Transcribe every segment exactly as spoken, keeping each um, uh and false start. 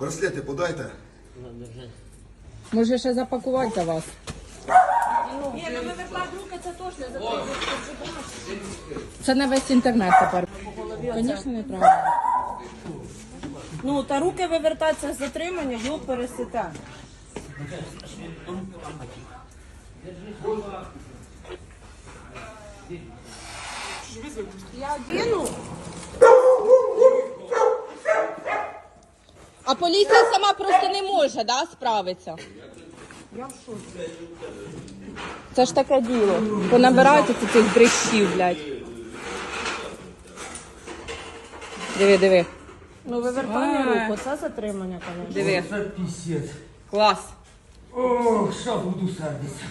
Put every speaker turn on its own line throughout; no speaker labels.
Браслети подайте.
Може ще запакувати за вас?
Ні, ну вивертати руки це точно затримує.
Це на весь інтернет тепер. Звісно, неправильно.
Ну, та руки вивертати це затримання, його пересите. Я одіну.
А поліція сама просто не може, да, справитися?
Я в шоці.
Це ж таке діло. Понабирайте тут цих дрищів, блядь. Диви, диви.
Ну, вивертання руку, це затримання, звісно.
Диви.
Це пісець.
Клас.
Ох, що буду сердитися.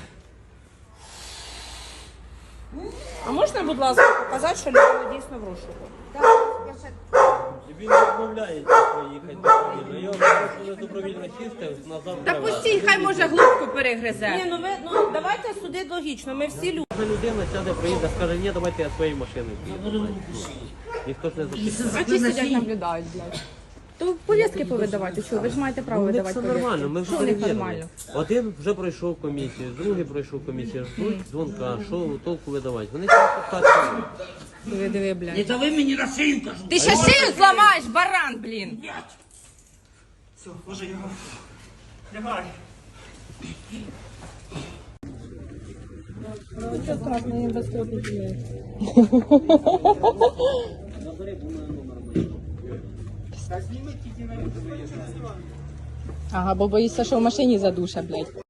А можна, будь ласка, показати, що людина дійсно в розшуку?
Тобі не відмовляється поїхати добровільно. Я вже добровільно чистив, назад.
Та постій, хай може глубку
Ні,
перегризе.
ну ви ну давайте судити логічно. Ми всі люди.
Кожна людина сяде, приїде, скаже, ні, давайте я своєю машиною поїду. Ніхто не запитає.
А ті сидять наблюдають, блядь. То повістки повидавати, що? Ви ж маєте право
Ну,
видавати
все
повістки.
нормально, ми вже
Що в них
перевірили.
нормально?
Один вже пройшов комісію, другий пройшов комісію, ждуть дзвонка, що толку видавати. Вони тільки так.
Диви, диви, блядь.
Не дави мені на шию, кажу.
Ти ще шию зламаєш, баран, блін.
Все, ложи його. Лягай.
Що страшно, я без копії.
Ага, бо боїшся, що в машині задуша, блядь.